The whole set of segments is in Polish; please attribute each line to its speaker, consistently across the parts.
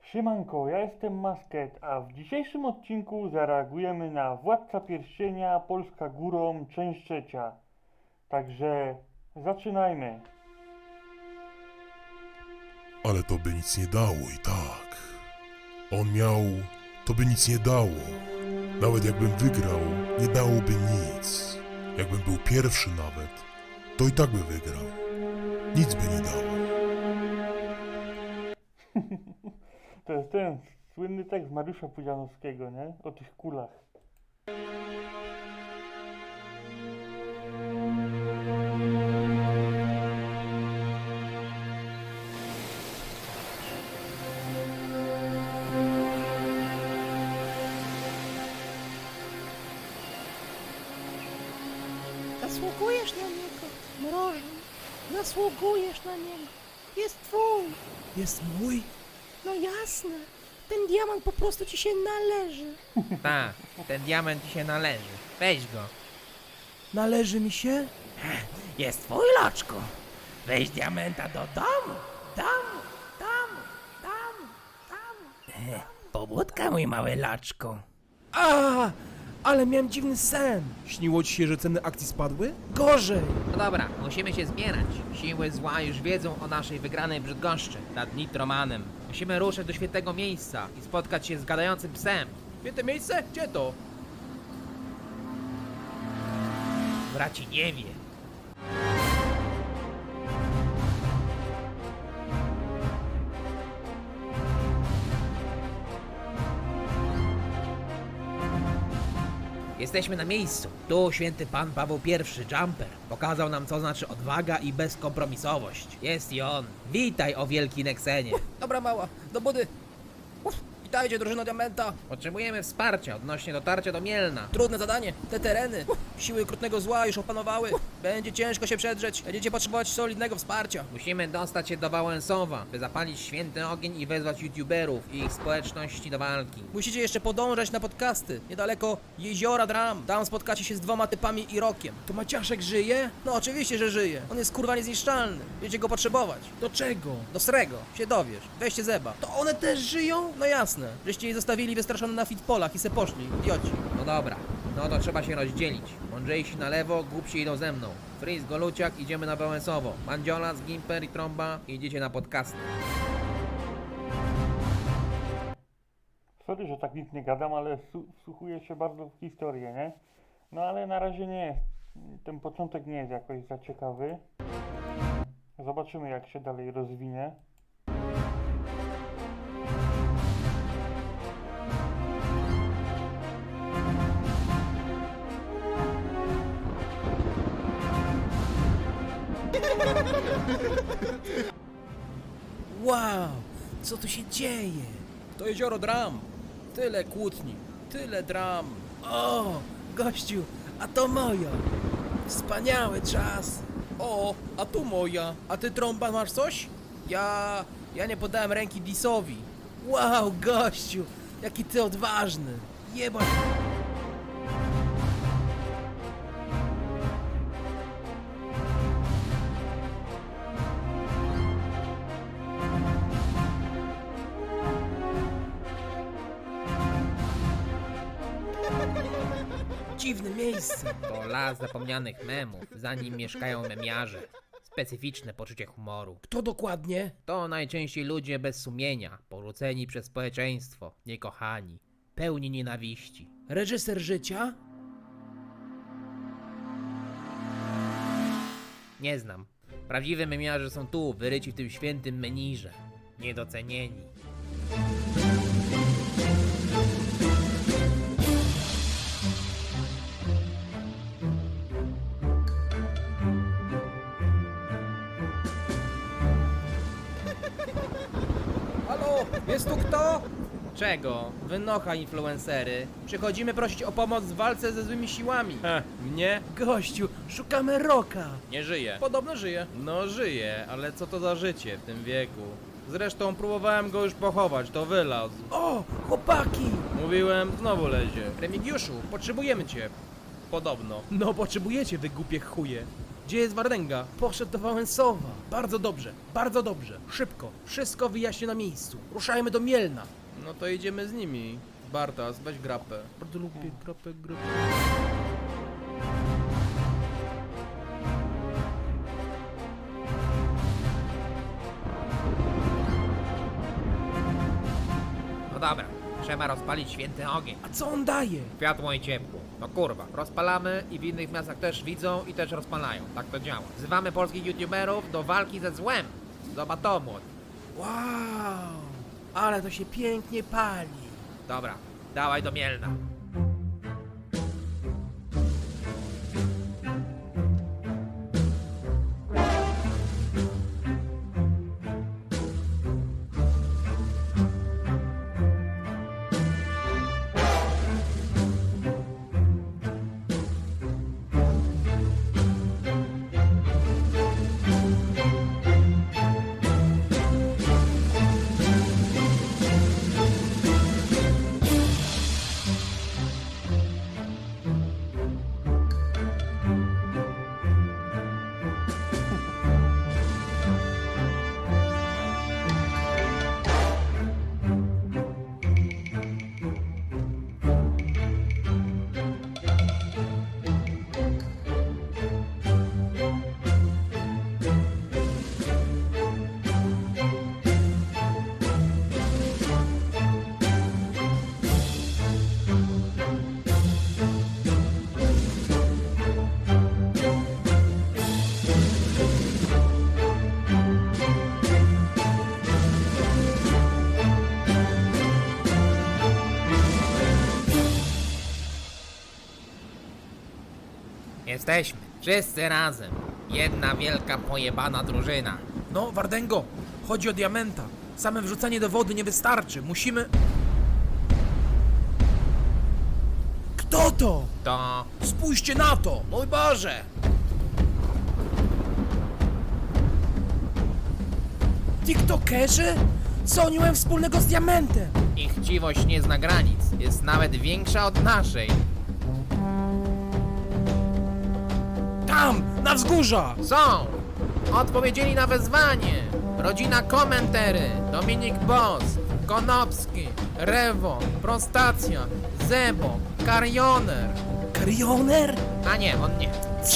Speaker 1: Siemanko, ja jestem Masket, a w dzisiejszym odcinku zareagujemy na Władca Pierścienia, Polska Górą, część trzecia. Także zaczynajmy.
Speaker 2: Ale to by nic nie dało i tak. On miał... To by nic nie dało. Nawet jakbym wygrał, nie dałoby nic. Jakbym był pierwszy nawet, to i tak by wygrał. Nic by nie dało.
Speaker 1: To jest ten słynny tekst Mariusza Pudzianowskiego, nie? O tych kulach.
Speaker 3: Zasługujesz na niego, mrożu. Zasługujesz na niego. Jest twój.
Speaker 4: Jest mój?
Speaker 3: No jasne. Ten diamant po prostu ci się należy.
Speaker 5: Tak, ten diament ci się należy. Weź go.
Speaker 4: Należy mi się?
Speaker 5: Jest twój, loczku. Weź diamenta do domu. Pobudka, mój mały loczku.
Speaker 4: A! Ale miałem dziwny sen. Śniło ci się, że ceny akcji spadły? Gorzej!
Speaker 5: No dobra, musimy się zbierać. Siły zła już wiedzą o naszej wygranej Brzydgoszczy nad Nitromanem. Musimy ruszyć do świętego miejsca i spotkać się z gadającym psem.
Speaker 4: Święte miejsce? Gdzie to?
Speaker 5: Braci nie wie. Jesteśmy na miejscu. Tu święty pan Paweł I, Jumper, pokazał nam, co znaczy odwaga i bezkompromisowość. Jest i on. Witaj, o wielki Nexenie.
Speaker 4: Dobra mała, do budy. Witajcie, drużyno Diamenta.
Speaker 5: Potrzebujemy wsparcia odnośnie dotarcia do Mielna.
Speaker 4: Trudne zadanie. Te tereny. Siły okrutnego zła już opanowały. Będzie ciężko się przedrzeć. Będziecie potrzebować solidnego wsparcia.
Speaker 5: Musimy dostać się do Wałęsowa, by zapalić święty ogień i wezwać youtuberów i ich społeczności do walki.
Speaker 4: Musicie jeszcze podążać na podcasty. Niedaleko Jeziora Dram. Tam spotkacie się z 2 typami i Rokiem. To Maciaszek żyje? No oczywiście, że żyje. On jest kurwa niezniszczalny. Będziecie go potrzebować. Do czego? Do Srego. Się dowiesz. Weźcie zeba. To one też żyją? No jasne. Żeście je zostawili wystraszone na fitpolach i se poszli. Idioci.
Speaker 5: No dobra, no to trzeba się rozdzielić. Mądrzejsi na lewo, głupsi idą ze mną. Freeze, Goluciak, idziemy na Wałęsowo. Mandziola, Gimper i Trąba idziecie na podcasty.
Speaker 1: Sorry, że tak nic nie gadam, ale wsłuchuję się bardzo w historię, nie? No ale na razie nie jest. Ten początek nie jest jakoś za ciekawy. Zobaczymy, jak się dalej rozwinie.
Speaker 4: Wow, co tu się dzieje? To jezioro Dram. Tyle kłótni, tyle dram. O, gościu, a to moja. Wspaniały czas. O, a tu moja. A ty, Trąba, masz coś? Ja nie podałem ręki Disowi. Wow, gościu, jaki ty odważny. Jebać. Dziwne miejsce.
Speaker 5: To las zapomnianych memów, za nim mieszkają memiarze. Specyficzne poczucie humoru.
Speaker 4: Kto dokładnie?
Speaker 5: To najczęściej ludzie bez sumienia, porzuceni przez społeczeństwo, niekochani, pełni nienawiści.
Speaker 4: Reżyser życia?
Speaker 5: Nie znam. Prawdziwe memiarze są tu, wyryci w tym świętym menirze. Niedocenieni.
Speaker 4: Halo, jest tu kto?
Speaker 5: Czego? Wynocha influencery. Przychodzimy prosić o pomoc w walce ze złymi siłami.
Speaker 4: Mnie? Gościu, szukamy Roka.
Speaker 5: Nie żyje.
Speaker 4: Podobno żyje.
Speaker 5: No żyje, ale co to za życie w tym wieku? Zresztą próbowałem go już pochować, to wylazł.
Speaker 4: O, chłopaki!
Speaker 5: Mówiłem, znowu lezie. Remigiuszu, potrzebujemy cię. Podobno.
Speaker 4: No potrzebujecie, wy głupie chuje. Gdzie jest Wardęga? Poszedł do Wałęsowa. Bardzo dobrze, bardzo dobrze. Szybko, wszystko wyjaśnię na miejscu. Ruszajmy do Mielna. No to jedziemy z nimi. Bartas, weź grapę. Bardzo lubię grapę.
Speaker 5: No dobra, trzeba rozpalić święty ogień.
Speaker 4: A co on daje?
Speaker 5: Światło i ciepło. No kurwa, rozpalamy i w innych miastach też widzą i też rozpalają. Tak to działa. Wzywamy polskich youtuberów do walki ze złem. Zobacz to, młody.
Speaker 4: Wow, ale to się pięknie pali.
Speaker 5: Dobra, dawaj do Mielna. Jesteśmy. Wszyscy razem. Jedna wielka pojebana drużyna.
Speaker 4: No, Wardęgo, chodzi o diamenta. Same wrzucanie do wody nie wystarczy. Musimy... Kto to?
Speaker 5: To...
Speaker 4: Spójrzcie na to! Mój Boże! TikTokerzy? Co oni mają wspólnego z diamentem?
Speaker 5: Ich chciwość nie zna granic. Jest nawet większa od naszej.
Speaker 4: Tam, na wzgórza!
Speaker 5: Są! Odpowiedzieli na wezwanie. Rodzina Komentery, Dominik Boss, Konopski, Rewo, Prostacja, Zebo, Karioner.
Speaker 4: Karioner?
Speaker 5: A nie, on nie.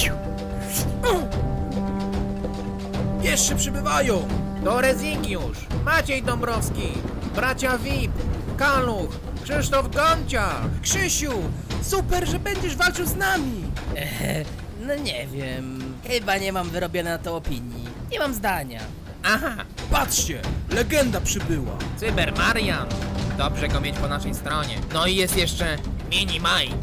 Speaker 4: Jeszcze przybywają!
Speaker 5: To Rezygiusz, Maciej Dąbrowski, bracia VIP, Kaluch, Krzysztof Gonciarz.
Speaker 4: Krzysiu, super, że będziesz walczył z nami!
Speaker 6: No nie wiem, chyba nie mam wyrobionej na to opinii. Nie mam zdania.
Speaker 5: Aha,
Speaker 4: Patrzcie, legenda przybyła!
Speaker 5: Cyber Marian. Dobrze go mieć po naszej stronie. No i jest jeszcze Mini Mike.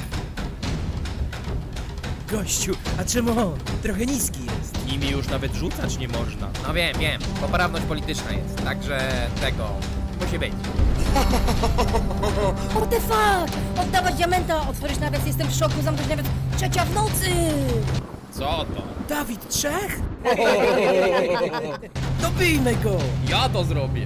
Speaker 4: Gościu, a czemu on? Trochę niski jest.
Speaker 7: Nimi już nawet rzucać nie można.
Speaker 5: No wiem, poprawność polityczna jest, także tego musi być.
Speaker 3: What the fuck? Oddawać diamenta, otworzyć nawias, jestem w szoku, zamknąć nawias, 3:00 w nocy!
Speaker 7: Co to?
Speaker 4: Dawid Trzech? Dobijmy go!
Speaker 7: Ja to zrobię.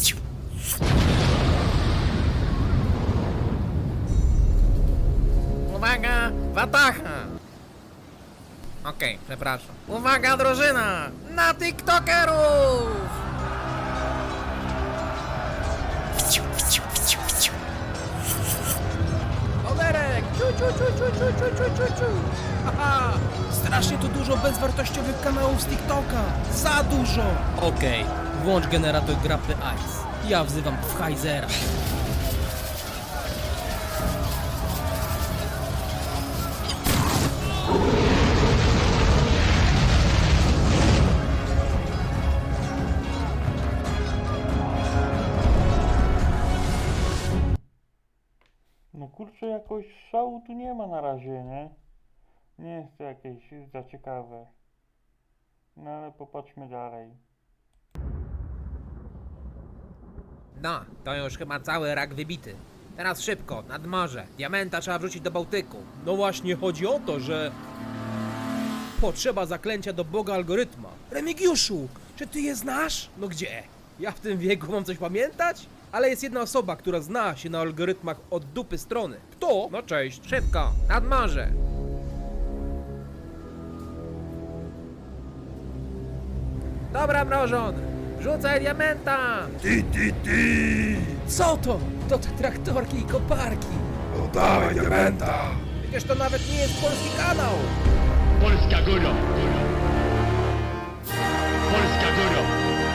Speaker 5: Uwaga, Watacha! Okej, przepraszam. Uwaga, drużyna! Na TikTokerów!
Speaker 4: Oberek! Haha! Strasznie tu dużo bezwartościowych kanałów z TikToka! Za dużo!
Speaker 6: Okej, włącz generator grapy Ice. Ja wzywam Pfizera.
Speaker 1: No kurczę, jakoś szału tu nie ma na razie, nie? Nie jest to jakieś za ciekawe. No ale popatrzmy dalej.
Speaker 5: No, to już chyba cały rak wybity. Teraz szybko, nad morze. Diamenta trzeba wrzucić do Bałtyku.
Speaker 4: No właśnie chodzi o to, że... Potrzeba zaklęcia do Boga algorytma. Remigiuszu, czy ty je znasz? No gdzie? Ja w tym wieku mam coś pamiętać? Ale jest jedna osoba, która zna się na algorytmach od dupy strony. Kto? No cześć.
Speaker 5: Szybko, nad morze. Dobra, mrożon! Rzucaj diamenta!
Speaker 4: Co to? To te traktorki i koparki.
Speaker 5: Przecież to nawet nie jest polski kanał!
Speaker 8: Polska góro! Polska góro!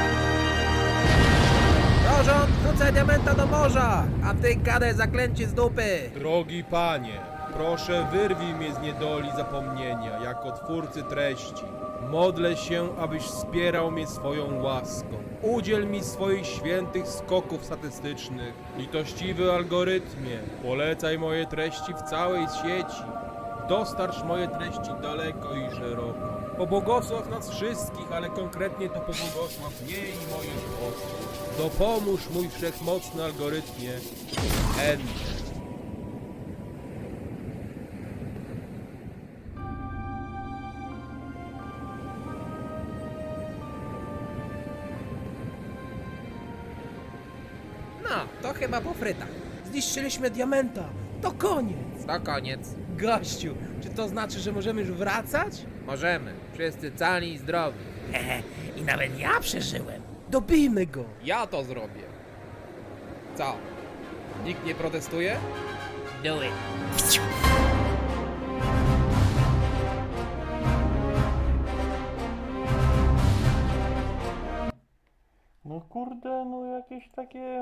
Speaker 5: Mrożon, rzucaj diamenta do morza! A ty gadaj zaklęcie z dupy!
Speaker 7: Drogi panie, proszę wyrwij mnie z niedoli zapomnienia, jako twórcy treści. Modlę się, abyś wspierał mnie swoją łaską. Udziel mi swoich świętych skoków statystycznych. Litościwy algorytmie, polecaj moje treści w całej sieci. Dostarcz moje treści daleko i szeroko. Pobłogosław nas wszystkich, ale konkretnie to pobłogosław mnie i moich osób. Dopomóż mój wszechmocny algorytmie. Enter.
Speaker 5: No, to chyba po frytach.
Speaker 4: Zniszczyliśmy diamenta. To koniec.
Speaker 5: To koniec.
Speaker 4: Gościu, czy to znaczy, że możemy już wracać?
Speaker 5: Możemy. Wszyscy cali i zdrowi.
Speaker 6: I nawet ja przeżyłem.
Speaker 4: Dobijmy go.
Speaker 7: Ja to zrobię. Co? Nikt nie protestuje?
Speaker 6: Do it.
Speaker 1: No kurde, no jakieś takie...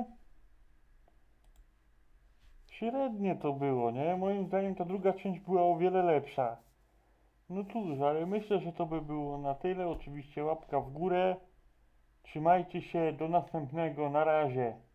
Speaker 1: Średnie to było, nie? Moim zdaniem ta druga część była o wiele lepsza. No cóż, ale myślę, że to by było na tyle. Oczywiście łapka w górę. Trzymajcie się, do następnego, na razie.